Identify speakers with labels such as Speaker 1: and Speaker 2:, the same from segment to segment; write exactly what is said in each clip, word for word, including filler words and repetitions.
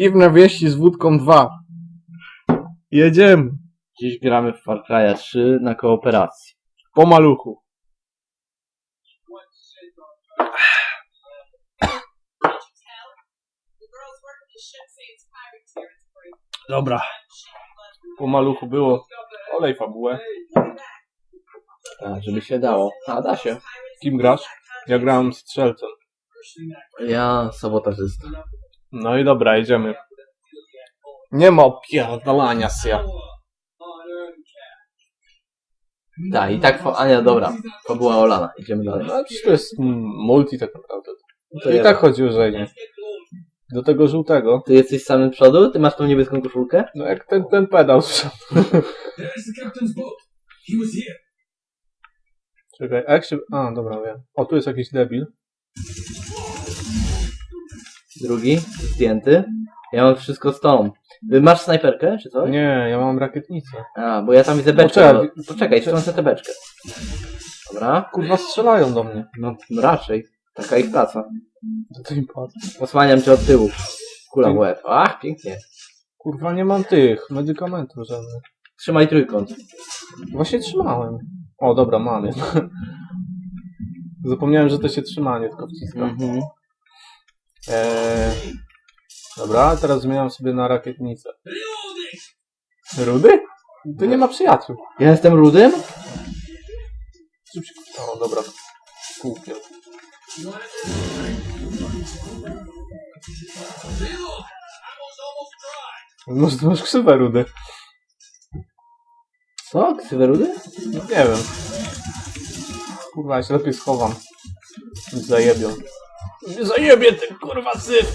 Speaker 1: Piwne wieści z wódką dwa. Jedziemy.
Speaker 2: Dziś gramy w Far Cry'a trzy na kooperacji.
Speaker 1: Po maluchu. Dobra. Po maluchu było. Olej fabułę.
Speaker 2: Tak, żeby się dało. A, da się.
Speaker 1: Kim grasz? Ja grałem strzelcem.
Speaker 2: Ja sabotażysta.
Speaker 1: No i dobra, jedziemy. Nie ma opierdalania się.
Speaker 2: Tak, i tak, fa- a nie, dobra. To była Olana, idziemy dalej.
Speaker 1: No przecież to jest mm, multi tak naprawdę.
Speaker 2: To
Speaker 1: I
Speaker 2: ja.
Speaker 1: tak chodzi o żenie. Do tego żółtego.
Speaker 2: Ty jesteś samym przodu? Ty masz tą niebieską koszulkę?
Speaker 1: No jak ten, ten pedał z przodu. Czekaj, a jak się... A, dobra, wiem. O, tu jest jakiś debil.
Speaker 2: Drugi, zdjęty. Ja mam wszystko z tą. Ty masz snajperkę, czy coś?
Speaker 1: Nie, ja mam rakietnicę.
Speaker 2: A, bo ja tam widzę beczkę.
Speaker 1: Poczekaj.
Speaker 2: No, poczekaj, wtrącę tę beczkę. Dobra.
Speaker 1: Kurwa, strzelają do mnie.
Speaker 2: No, no raczej. Taka ich praca.
Speaker 1: To ty im patrz.
Speaker 2: Osłaniam cię od tyłu. Kula w łeb. Ach, pięknie.
Speaker 1: Kurwa, nie mam tych medykamentów żadnych.
Speaker 2: Trzymaj trójkąt.
Speaker 1: Właśnie trzymałem. O, dobra, mam je. Zapomniałem, że to się trzymanie tylko wciska.
Speaker 2: Mhm.
Speaker 1: Eee, dobra, teraz zmieniam sobie na rakietnicę. Rudy? To nie ma przyjaciół.
Speaker 2: Ja jestem rudym?
Speaker 1: O, dobra. Kółkiem. Może ty masz krzywe, Rudy?
Speaker 2: Co? Ksywy rudy?
Speaker 1: No, nie wiem. Kurwa, ja się lepiej schowam. Nic zajebią. Nie zajebie ten kurwa syf!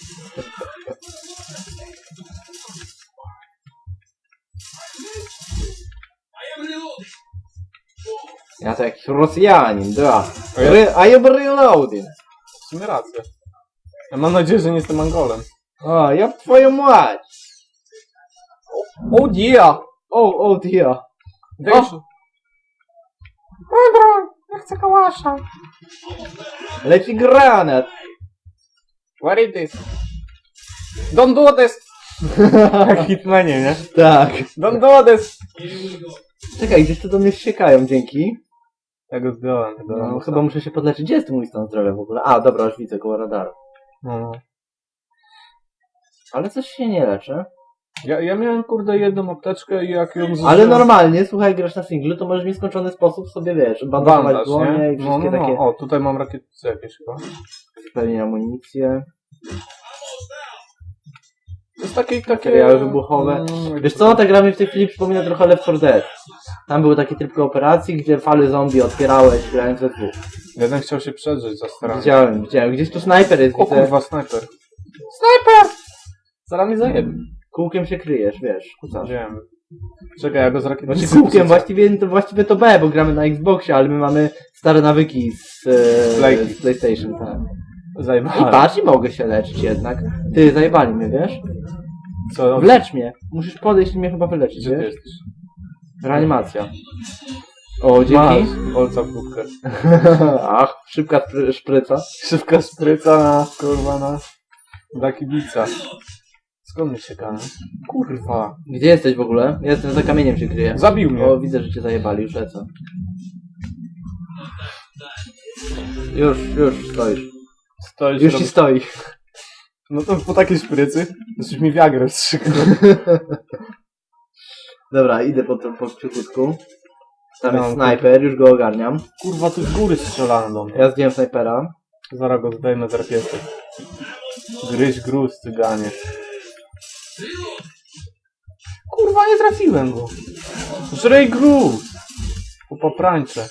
Speaker 2: Ja to jakiś Rosjanin, da.
Speaker 1: A ja-
Speaker 2: Re- I am reloading.
Speaker 1: W sumie rację. Ja mam nadzieję, że nie jestem Angolem.
Speaker 2: O, ja twoją mać.
Speaker 1: O dia!
Speaker 2: O, o, dia.
Speaker 1: Wiesz... Dobra, ja chcę kałasza.
Speaker 2: Leci granat.
Speaker 1: What is this? Don't do this! Jak Hitmanie, nie?
Speaker 2: Tak.
Speaker 1: Don't do this!
Speaker 2: Czekaj, gdzieś tu do mnie ściekają, dzięki.
Speaker 1: Ja go zdjąłem. tego
Speaker 2: No,
Speaker 1: lamusa.
Speaker 2: chyba muszę się podleczyć. Gdzie jest mój stan zdrowia w ogóle? A, dobra, już widzę, koło radaru.
Speaker 1: No.
Speaker 2: Ale coś się nie leczy.
Speaker 1: Ja, ja miałem kurde jedną apteczkę i jak ją zużyłem...
Speaker 2: Ale normalnie, słuchaj, grasz na singlu, to możesz w nieskończony sposób sobie, wiesz, bandażować
Speaker 1: Bandaż,
Speaker 2: dłonie
Speaker 1: nie?
Speaker 2: i
Speaker 1: No,
Speaker 2: wszystkie
Speaker 1: no, no.
Speaker 2: takie
Speaker 1: O, tutaj mam rakietnice jakieś chyba.
Speaker 2: zupełnie amunicje.
Speaker 1: To jest takie... takie...
Speaker 2: Materiały wybuchowe.
Speaker 1: Mm,
Speaker 2: Wiesz co, ta gra mi w tej chwili przypomina trochę Left four Dead. Tam był taki tryb kooperacji, gdzie fale zombie otwierałeś, grając we dwóch.
Speaker 1: Jeden chciał się przedrzeć za staranie.
Speaker 2: Widziałem, widziałem. Gdzieś tu snajper jest,
Speaker 1: O
Speaker 2: widzę.
Speaker 1: kurwa, snajper. Snajper! Zaraz mnie zajebie.
Speaker 2: Kółkiem się kryjesz, wiesz, kucasz.
Speaker 1: Wiem. Czekaj, ja go z rakietnicy...
Speaker 2: Znaczy kółkiem, właściwie to, właściwie to B, bo gramy na Xboxie, ale my mamy stare nawyki z, e,
Speaker 1: Playki.
Speaker 2: z PlayStation, tak. I
Speaker 1: Zajebałem.
Speaker 2: patrz, i mogę się leczyć jednak. Ty, zajebali mnie, wiesz?
Speaker 1: Co?
Speaker 2: Wlecz mnie. Musisz podejść i mnie chyba wyleczyć,
Speaker 1: Gdzie ty
Speaker 2: wiesz?
Speaker 1: jesteś?
Speaker 2: Reanimacja. O, dzięki.
Speaker 1: Masz kolca w budkę.
Speaker 2: Ach, szybka szpry- szpryca.
Speaker 1: Szybka spryca na, kurwa, na... dla kibica. Skąd mnie ciekawe? Kurwa.
Speaker 2: Gdzie jesteś w ogóle? Ja jestem za kamieniem się kryję.
Speaker 1: Zabił mnie.
Speaker 2: O, widzę, że cię zajebali, już lecę. Już, już stoisz.
Speaker 1: Stoisz,
Speaker 2: Już ci
Speaker 1: robisz-
Speaker 2: stoi.
Speaker 1: No to po takiej szprycy, to coś mi wiagrę wstrzyknął.
Speaker 2: Dobra, idę po, to- po cichutku. Tam
Speaker 1: No,
Speaker 2: jest snajper, już go ogarniam.
Speaker 1: Kurwa, tu z góry strzelano do mnie.
Speaker 2: Ja zdjąłem snajpera.
Speaker 1: Zaraz go zdejmę z rakiety. Gryź gruz, cyganie. Kurwa, nie trafiłem go. Żrej gruz. Po poprańcze.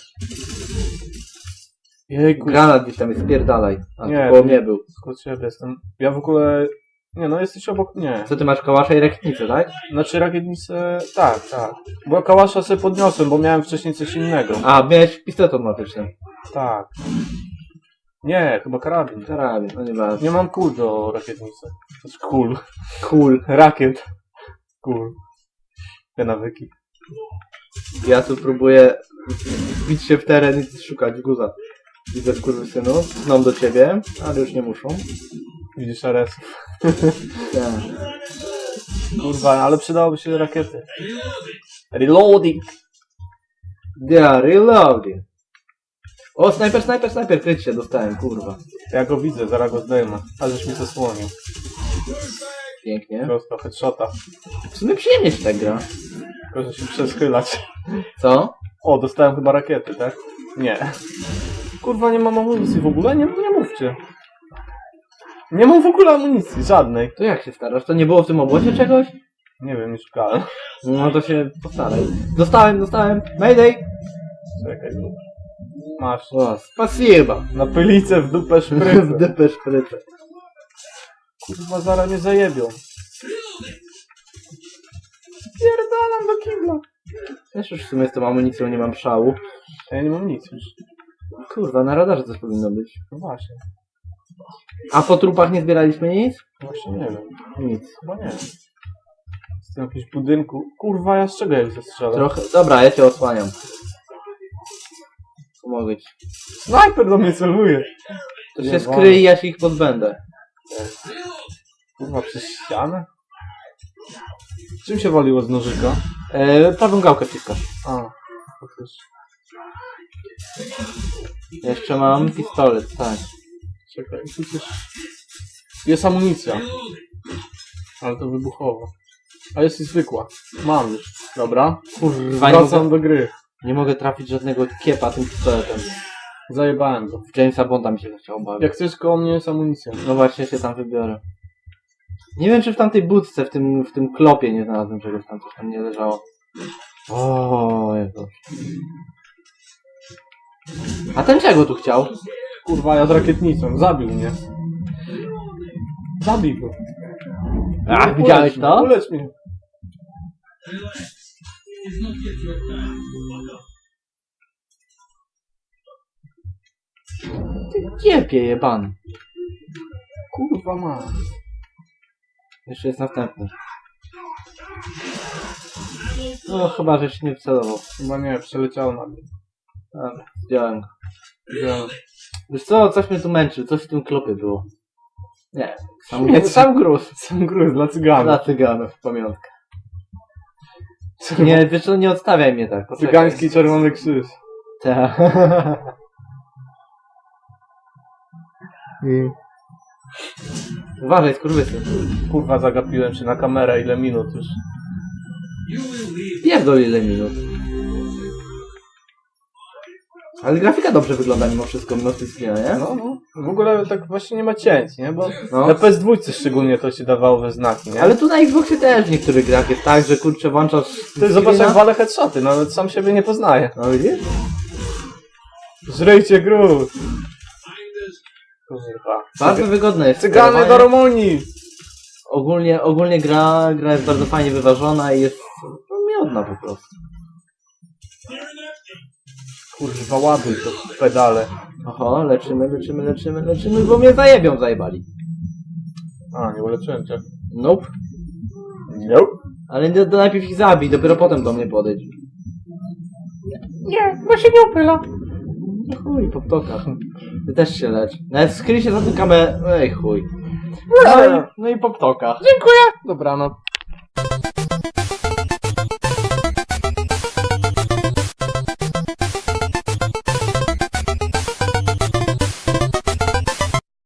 Speaker 1: Jejku.
Speaker 2: Granat gdzieś tam jest, spierdalaj. A,
Speaker 1: Nie,
Speaker 2: nie, koło
Speaker 1: to-
Speaker 2: mnie był.
Speaker 1: Skąd ciebie jestem? Ja w ogóle... Nie no, jesteś obok mnie.
Speaker 2: Co ty masz, kałasza i rakietnicę, tak?
Speaker 1: Znaczy rakietnicę... Tak, tak. Bo kałasza sobie podniosłem, bo miałem wcześniej coś innego.
Speaker 2: A, miałeś pistolet automatyczny.
Speaker 1: Tak. Nie, chyba karabin.
Speaker 2: Karabin, no nie bardzo.
Speaker 1: Nie mam kul do rakietnicy. Znaczy kul.
Speaker 2: Cool.
Speaker 1: Rakiet. Kul. Te nawyki.
Speaker 2: Ja tu próbuję bić się w teren i szukać guza. Widzę skurwysynów, zną do ciebie, ale już nie muszą.
Speaker 1: Widzisz Ares?
Speaker 2: Tak.
Speaker 1: Kurwa, ale przydałoby się rakiety. Reloading!
Speaker 2: Yeah, reloading. O, snajper, snajper, snajper, kryć się dostałem, kurwa.
Speaker 1: Ja go widzę, zaraz go zdejmę. A żeś mi zasłonił.
Speaker 2: Pięknie.
Speaker 1: Prosto, headshota.
Speaker 2: W sumie przyjemnie się tak gra.
Speaker 1: Tylko, że się przeskylać.
Speaker 2: Co?
Speaker 1: O, dostałem chyba rakiety, tak? Nie. Kurwa, nie mam amunicji w ogóle? Nie, nie mówcie. Nie mam w ogóle amunicji, żadnej.
Speaker 2: To jak się starasz? To nie było w tym obozie czegoś?
Speaker 1: Nie wiem, nie szukałem.
Speaker 2: No to się postaraj. Dostałem, dostałem. Mayday!
Speaker 1: Czekaj, tu. Masz.
Speaker 2: O, spasiba.
Speaker 1: Na pylicę w dupę
Speaker 2: W
Speaker 1: szprycę.
Speaker 2: dupę szprycę.
Speaker 1: Kurwa, zaraz mnie zajebią. Pierdalam do kibla.
Speaker 2: Też już w sumie z tą amunicją nie mam szału.
Speaker 1: A ja nie mam nic już.
Speaker 2: Kurwa, na radarze coś powinno być.
Speaker 1: No właśnie.
Speaker 2: A po trupach nie zbieraliśmy nic?
Speaker 1: Właśnie nie wiem.
Speaker 2: Nic.
Speaker 1: Chyba nie. Z tym jakimś budynku. Kurwa, ja z czego jak zastrzelę?
Speaker 2: Trochę. Dobra, ja cię osłaniam. Pomogę ci.
Speaker 1: Snajper do mnie celuje.
Speaker 2: To
Speaker 1: Nie
Speaker 2: się
Speaker 1: wolno.
Speaker 2: skryj, ja się ich pozbędę.
Speaker 1: Kurwa, przez ścianę? Czym się waliło z nożyka?
Speaker 2: E, prawą gałkę wciskasz.
Speaker 1: A, faktycznie.
Speaker 2: Jeszcze mam pistolet, tak.
Speaker 1: Czekaj, tu coś... Jest amunicja. Ale to wybuchowa. A jest i zwykła. Mam już. Dobra.
Speaker 2: Kurwa, nie
Speaker 1: Wracam
Speaker 2: mogę,
Speaker 1: do gry.
Speaker 2: nie mogę trafić żadnego kiepa tym pistoletem.
Speaker 1: Zajebałem go.
Speaker 2: W Jamesa Bonda mi się chciał bawić.
Speaker 1: Jak chcesz, koło mnie jest amunicja.
Speaker 2: No właśnie, się tam wybiorę. Nie wiem, czy w tamtej budce, w tym, w tym klopie nie znalazłem czegoś tam, coś tam nie leżało. O, Jezu. A ten czego tu chciał?
Speaker 1: Kurwa, ja z rakietnicą. Zabił mnie. Zabij go.
Speaker 2: A, widziałeś
Speaker 1: Ulecz
Speaker 2: to?
Speaker 1: mnie, Ulecz mnie.
Speaker 2: Ty kiepie jebany.
Speaker 1: Kurwa ma.
Speaker 2: Jeszcze jest następny. No chyba, że się nie wcelował.
Speaker 1: Chyba nie, przeleciał na mnie.
Speaker 2: Dobra, zdjąłem go.
Speaker 1: Wziąłem.
Speaker 2: Wiesz co, coś mnie tu męczy, coś w tym klopie było. Nie, sam,
Speaker 1: Nie,
Speaker 2: sam gruz.
Speaker 1: Sam gruz dla cyganów.
Speaker 2: Dla cyganów, pamiątka. Nie, wiesz co, nie odstawiaj mnie tak. poczekaj.
Speaker 1: Cygański Czerwony Krzyż.
Speaker 2: Tak.
Speaker 1: Mm.
Speaker 2: Uważaj, skurwysy.
Speaker 1: Kurwa, zagapiłem się na kamerę, ile minut już.
Speaker 2: Pierdol ile minut. Ale grafika dobrze wygląda mimo wszystko, mimo screena, nie?
Speaker 1: No, no. W ogóle tak właśnie nie ma cięć, nie? Bo
Speaker 2: No.
Speaker 1: na P S dwa szczególnie to się dawało we znaki, nie?
Speaker 2: Ale tu na Xboxie też w niektórych grach jest tak, że kurczę włączasz
Speaker 1: Ty zobacz,
Speaker 2: screena.
Speaker 1: jak walę headshoty, nawet sam siebie nie poznaje.
Speaker 2: No widzisz?
Speaker 1: Żryjcie gruz! Kurwa.
Speaker 2: Bardzo wygodne jest.
Speaker 1: Cygany
Speaker 2: sterowanie.
Speaker 1: do Rumunii!
Speaker 2: Ogólnie, ogólnie gra, gra jest bardzo fajnie wyważona i jest no, miodna po prostu.
Speaker 1: Kurwa, ładuj to pedale.
Speaker 2: Oho, leczymy, leczymy, leczymy, leczymy, bo mnie zajebią, zajebali.
Speaker 1: A, nie uleczyłem cię.
Speaker 2: Nope.
Speaker 1: Nope.
Speaker 2: Ale to, to najpierw ich zabij, dopiero potem do mnie podejdź.
Speaker 1: Nie, bo się nie upyla.
Speaker 2: No chuj, po ptokach. Ty też się lecz. Nawet skryj się za tym kamerę. Ej chuj. No i, no i po ptokach.
Speaker 1: Dziękuję. Dobranoc.